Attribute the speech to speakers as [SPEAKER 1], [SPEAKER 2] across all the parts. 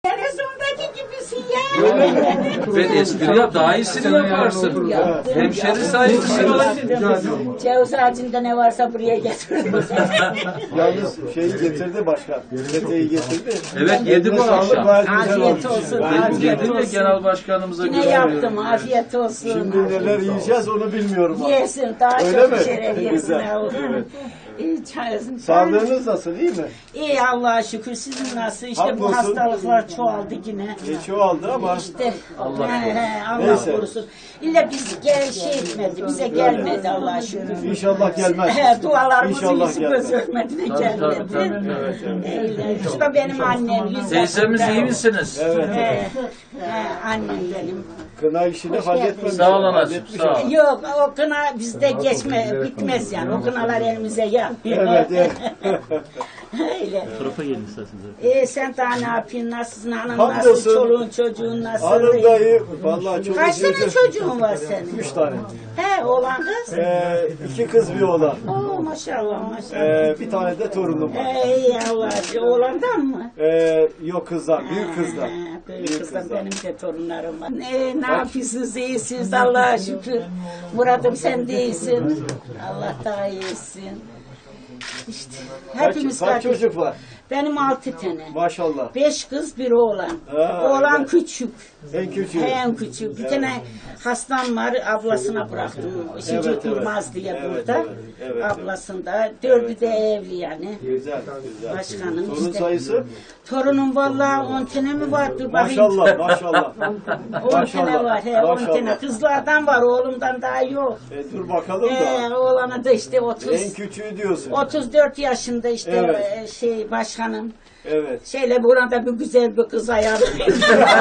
[SPEAKER 1] Televizyondaki gibisin ya.
[SPEAKER 2] Ben espri yap, daha iyisini yaparsın. Hemşeri saygısını.
[SPEAKER 1] Ceviz ağacında ne varsa buraya getirdim.
[SPEAKER 3] Yalnız şeyi getirdi başkan. Peteği getirdi.
[SPEAKER 2] Evet, yedi bu akşam.
[SPEAKER 1] Afiyet olsun.
[SPEAKER 2] Yedim de genel başkanımıza
[SPEAKER 1] Yine
[SPEAKER 2] gönderiyorum.
[SPEAKER 1] yaptım. Afiyet olsun.
[SPEAKER 3] Şimdi neler yiyeceğiz onu bilmiyorum.
[SPEAKER 1] Yesin. Daha
[SPEAKER 3] Öyle
[SPEAKER 1] çok
[SPEAKER 3] mi?
[SPEAKER 1] şeref yesin.
[SPEAKER 3] Güzel. Evet. Sağlığınız nasıl, iyi mi?
[SPEAKER 1] İyi Allah'a şükür. Sizin nasıl? İşte bu
[SPEAKER 3] Hamdolsun.
[SPEAKER 1] hastalıklar çoğaldı yine.
[SPEAKER 3] Çoğaldı ama
[SPEAKER 1] İşte
[SPEAKER 2] Allah
[SPEAKER 1] Allah
[SPEAKER 3] Neyse.
[SPEAKER 1] korusun. İlla biz şey etmedi, bize gelmedi Allah'a şükür.
[SPEAKER 3] İnşallah gelmez.
[SPEAKER 1] Dualarımızın
[SPEAKER 3] İnşallah
[SPEAKER 1] yüzü
[SPEAKER 3] gelmez.
[SPEAKER 1] göz örmedi de
[SPEAKER 2] Tabii,
[SPEAKER 1] gelmedi.
[SPEAKER 2] tabii.
[SPEAKER 1] Öyle. Bu da benim annem.
[SPEAKER 2] Teyzemiz iyi misiniz?
[SPEAKER 3] Evet.
[SPEAKER 1] Annem benim.
[SPEAKER 3] Kına işini halletmemiş.
[SPEAKER 2] Sağ ol anacığım,
[SPEAKER 3] Halletmiş
[SPEAKER 2] sağ ol.
[SPEAKER 3] ama.
[SPEAKER 1] Yok o kına bizde bitmez yani. O kınalar elimize gelmiyor.
[SPEAKER 3] Evet, evet.
[SPEAKER 1] Öyle.
[SPEAKER 4] Tarafa gelin isterseniz.
[SPEAKER 1] Sen daha ne yapıyorsun? Nasılsın? Hanım
[SPEAKER 3] Hamdolsun.
[SPEAKER 1] nasıl? Çoluğun çocuğun nasıl?
[SPEAKER 3] Hanım dayı, vallahi çok
[SPEAKER 1] Kaç tane
[SPEAKER 3] üzüldüm.
[SPEAKER 1] çocuğun var senin?
[SPEAKER 3] 3 tane.
[SPEAKER 1] He oğlan kız?
[SPEAKER 3] 2 kız bir oğlan.
[SPEAKER 1] Oo maşallah maşallah.
[SPEAKER 3] Bir tane de torunum var.
[SPEAKER 1] Ey Allah, oğlandan mı?
[SPEAKER 3] Yok kızlar, büyük kızlar.
[SPEAKER 1] Büyük kızdan benim de torunlarım var. Ne yapıyorsunuz? İyisiniz Allah'a şükür. Murat'ım sen de iyisin. Allah daha iyisin. İşte hepimiz
[SPEAKER 3] Kaç
[SPEAKER 1] kardeş.
[SPEAKER 3] çocuk var?
[SPEAKER 1] Benim 6 tane.
[SPEAKER 3] Maşallah.
[SPEAKER 1] 5 kız bir oğlan.
[SPEAKER 3] Ha,
[SPEAKER 1] Oğlan
[SPEAKER 3] evet.
[SPEAKER 1] küçük.
[SPEAKER 3] En küçüğü.
[SPEAKER 1] En küçük. Bir tane hastam var, ablasına bıraktım. Şicik
[SPEAKER 3] Evet,
[SPEAKER 1] Durmaz diye
[SPEAKER 3] evet,
[SPEAKER 1] burada.
[SPEAKER 3] evet, evet.
[SPEAKER 1] Ablasında. 4'ü de evli yani.
[SPEAKER 3] Güzel, güzel.
[SPEAKER 1] Başkanım
[SPEAKER 3] Torun
[SPEAKER 1] işte.
[SPEAKER 3] sayısı?
[SPEAKER 1] Torunum vallahi 10 tane mi var? Dur bakayım.
[SPEAKER 3] Maşallah, maşallah.
[SPEAKER 1] 10 tane var. He, 10 tane.
[SPEAKER 3] Maşallah.
[SPEAKER 1] Kızlardan var, oğlumdan daha yok.
[SPEAKER 3] Dur bakalım da.
[SPEAKER 1] Oğlanı da işte
[SPEAKER 3] En
[SPEAKER 1] 30.
[SPEAKER 3] küçüğü diyorsun.
[SPEAKER 1] 34 yaşında işte
[SPEAKER 3] Evet.
[SPEAKER 1] başkanım.
[SPEAKER 3] Evet.
[SPEAKER 1] Şeyle burada bir güzel bir kız ayarlayın.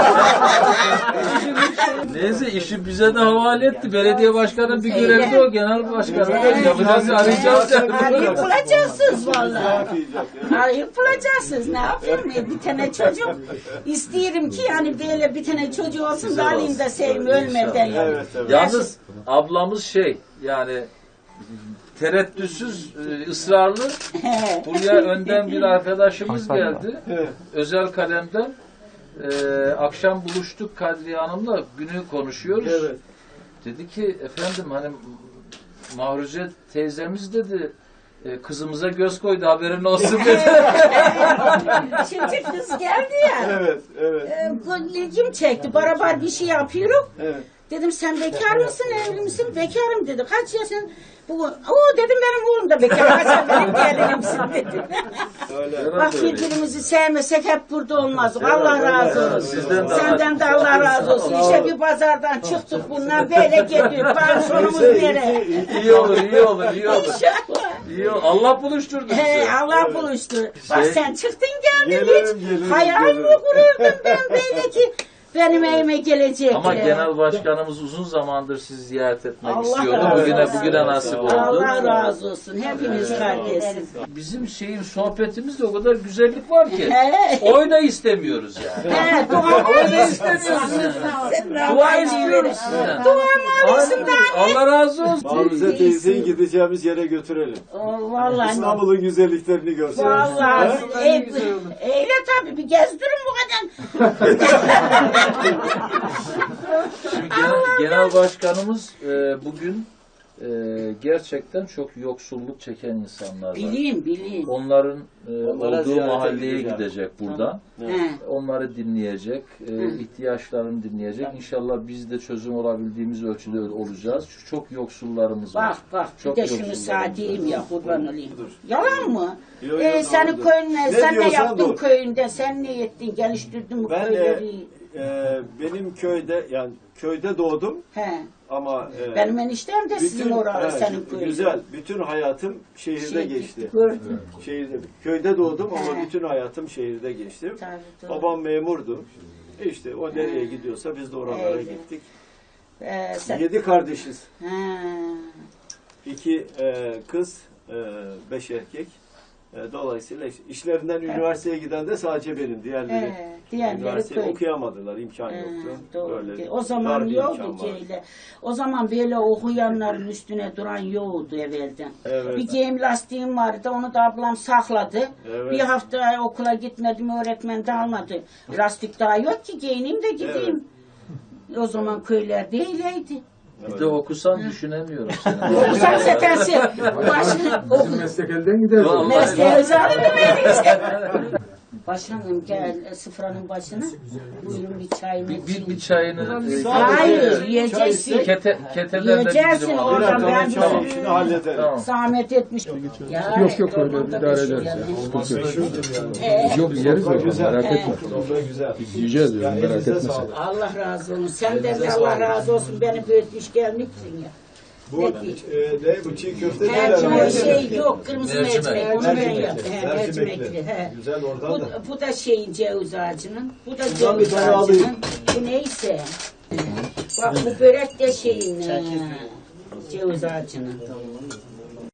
[SPEAKER 2] Neyse işi bize de havale etti. Belediye başkanı bir görevi de o, genel başkanı. Yapacağız, arayacağız.
[SPEAKER 1] Arayıp bulacaksınız vallahi.
[SPEAKER 3] Yapacak.
[SPEAKER 1] Arayıp bulacaksınız. Ne yapayım? Bir tane çocuk isterim ki yani böyle bir tane çocuğu olsun da alayım da seveyim ölmeden yani.
[SPEAKER 3] Evet, evet.
[SPEAKER 2] Yalnız ablamız yani tereddütsüz, ısrarlı. Buraya önden bir arkadaşımız geldi.
[SPEAKER 3] Evet.
[SPEAKER 2] Özel kalemden. Akşam buluştuk Kadriye Hanım'la, günü konuşuyoruz.
[SPEAKER 3] Evet.
[SPEAKER 2] Dedi ki efendim hani Mahruze teyzemiz dedi kızımıza göz koydu, haberin olsun dedi.
[SPEAKER 1] Şimdi kız geldi ya.
[SPEAKER 3] Evet, evet.
[SPEAKER 1] İlgim çekti. Beraber bir şey yapıyoruz.
[SPEAKER 3] Evet.
[SPEAKER 1] Dedim sen bekar mısın, evli misin? Bekarım dedi. Kaç yaşın? O dedim benim oğlum da bekar. Kaç benim gelinimsin dedim.
[SPEAKER 3] Öyle.
[SPEAKER 1] Bak birbirimizi sevmesek hep burada olmazdık. Allah razı olsun.
[SPEAKER 2] Sizden de
[SPEAKER 1] Senden de Allah razı olsun. İşte bir pazardan çıktık bundan böyle geliyor. Bak sonumuz nereye?
[SPEAKER 2] İyi olur, iyi olur, iyi olur.
[SPEAKER 1] İnşallah.
[SPEAKER 2] İyi olur. Allah buluşturdu bizi.
[SPEAKER 1] Allah buluştu. Bak sen çıktın geldin
[SPEAKER 3] Gelirim,
[SPEAKER 1] hiç.
[SPEAKER 3] gelirim,
[SPEAKER 1] Hayal mi
[SPEAKER 3] gelirim.
[SPEAKER 1] kururdun ben böyle ki benim evime gelecek.
[SPEAKER 2] Ama genel başkanımız uzun zamandır sizi ziyaret etmek
[SPEAKER 1] Allah
[SPEAKER 2] istiyordu.
[SPEAKER 1] razı
[SPEAKER 2] Bugüne
[SPEAKER 1] olsun.
[SPEAKER 2] nasip oldu.
[SPEAKER 1] Allah razı olsun. Hepiniz kardeşsiniz.
[SPEAKER 2] Bizim sohbetimizde o kadar güzellik var ki.
[SPEAKER 1] He.
[SPEAKER 2] Oyna istemiyoruz yani.
[SPEAKER 1] He, dua
[SPEAKER 2] Oyna istemiyoruz yani. Dua istiyoruz sizden.
[SPEAKER 1] Dua maalesef daha
[SPEAKER 2] Allah razı olsun.
[SPEAKER 3] Mahruze teyzeyi gideceğimiz yere götürelim.
[SPEAKER 1] Vallahi.
[SPEAKER 3] İstanbul'un güzelliklerini görsün.
[SPEAKER 1] Vallahi. Eyle tabii bir gezdirin bu kadar.
[SPEAKER 2] Şimdi genel başkanımız bugün gerçekten çok yoksulluk çeken insanlar var.
[SPEAKER 1] Bileyim.
[SPEAKER 2] Onların
[SPEAKER 3] Onlara
[SPEAKER 2] olduğu
[SPEAKER 3] ziyarete
[SPEAKER 2] mahalleye
[SPEAKER 3] gideceğim.
[SPEAKER 2] gidecek buradan.
[SPEAKER 1] He.
[SPEAKER 2] Onları dinleyecek, ihtiyaçlarını dinleyecek. İnşallah biz de çözüm olabildiğimiz ölçüde olacağız. Çok yoksullarımız var.
[SPEAKER 1] Bak
[SPEAKER 2] Çok
[SPEAKER 1] bir de şunu
[SPEAKER 2] yoksullarımız
[SPEAKER 1] sağ diyeyim ya kurban olayım. Yalan mı?
[SPEAKER 3] Yo, yo,
[SPEAKER 1] Senin
[SPEAKER 3] doğrudur.
[SPEAKER 1] köyüne
[SPEAKER 3] Ne
[SPEAKER 1] sen ne
[SPEAKER 3] diyorsan
[SPEAKER 1] yaptın
[SPEAKER 3] doğru.
[SPEAKER 1] köyünde sen ne ettin geliştirdin bu
[SPEAKER 3] Ben
[SPEAKER 1] köyleri?
[SPEAKER 3] benim köyde yani köyde doğdum
[SPEAKER 1] He.
[SPEAKER 3] ama
[SPEAKER 1] Benim eniştem de sizin orada
[SPEAKER 3] evet,
[SPEAKER 1] senin köyün.
[SPEAKER 3] güzel. Bütün hayatım şehirde geçti.
[SPEAKER 1] Gördüm.
[SPEAKER 3] Şehirde. Köyde doğdum ama
[SPEAKER 1] He.
[SPEAKER 3] bütün hayatım şehirde geçti.
[SPEAKER 1] Tabii, doğru.
[SPEAKER 3] Babam memurdu. İşte o nereye gidiyorsa biz de oralara
[SPEAKER 1] Evet.
[SPEAKER 3] gittik.
[SPEAKER 1] Sen...
[SPEAKER 3] 7 kardeşiz.
[SPEAKER 1] He.
[SPEAKER 3] 2 kız, 5 erkek. Dolayısıyla işlerinden üniversiteye giden de sadece benim. Diğerleri
[SPEAKER 1] diğerleri
[SPEAKER 3] üniversiteyi
[SPEAKER 1] köy.
[SPEAKER 3] okuyamadılar. İmkan yoktu.
[SPEAKER 1] Doğru.
[SPEAKER 3] Böyle
[SPEAKER 1] O zaman
[SPEAKER 3] dar bir
[SPEAKER 1] yoktu
[SPEAKER 3] imkan
[SPEAKER 1] ki
[SPEAKER 3] vardı.
[SPEAKER 1] öyle. O zaman böyle okuyanların üstüne duran yoktu evvelden.
[SPEAKER 3] Evet.
[SPEAKER 1] Bir giyim lastiğim vardı, onu da ablam sakladı.
[SPEAKER 3] Evet.
[SPEAKER 1] Bir hafta okula gitmedim, öğretmen de almadı. Lastik daha yok ki, giyineyim de gideyim. O zaman köylerde öyleydi.
[SPEAKER 2] Bir de okusan düşünemiyorum seni.
[SPEAKER 1] Okusan setensi, başını oku.
[SPEAKER 4] Meslek elden gider.
[SPEAKER 2] Vallahi.
[SPEAKER 1] Mesleğe özel Başkanım gel sıfranın başına. Buyurun bir çayını için.
[SPEAKER 2] Bir çayını
[SPEAKER 1] Hayır, yiyeceksin.
[SPEAKER 2] ketelerden
[SPEAKER 1] Yiyeceksin
[SPEAKER 2] bizim
[SPEAKER 1] oradan,
[SPEAKER 2] alalım.
[SPEAKER 1] ben bir
[SPEAKER 3] Tamam, şunu halledelim.
[SPEAKER 2] Tamam.
[SPEAKER 1] zahmet etmiş.
[SPEAKER 4] Yok öyle idare ederiz ya. Sıkıntı yok. Yok yeriz o
[SPEAKER 3] Güzel.
[SPEAKER 4] merak etme.
[SPEAKER 3] Sofra güzel.
[SPEAKER 4] Yiyeceğiz diyorum
[SPEAKER 3] Yani
[SPEAKER 4] merak
[SPEAKER 3] elinize
[SPEAKER 4] etme sen.
[SPEAKER 3] sağlık.
[SPEAKER 1] Allah razı olsun. Senden de Allah razı olsun. Beni büyütmüş gelmişsin ya.
[SPEAKER 3] Bu ne bu çiğ köfte
[SPEAKER 1] Mercimek şey yok, kırmızı
[SPEAKER 2] Mercimek.
[SPEAKER 1] mercimek. Onu ben
[SPEAKER 3] Mercimekli.
[SPEAKER 1] yaptım. Mercimekli. He.
[SPEAKER 3] Güzel oradan da.
[SPEAKER 1] Bu da şeyin ceviz ağacının. Bu da
[SPEAKER 3] Buradan bir
[SPEAKER 1] ceviz
[SPEAKER 3] tane alayım.
[SPEAKER 1] ağacının. Bu neyse. Bak bu börek de şeyin. Ceviz ağacının.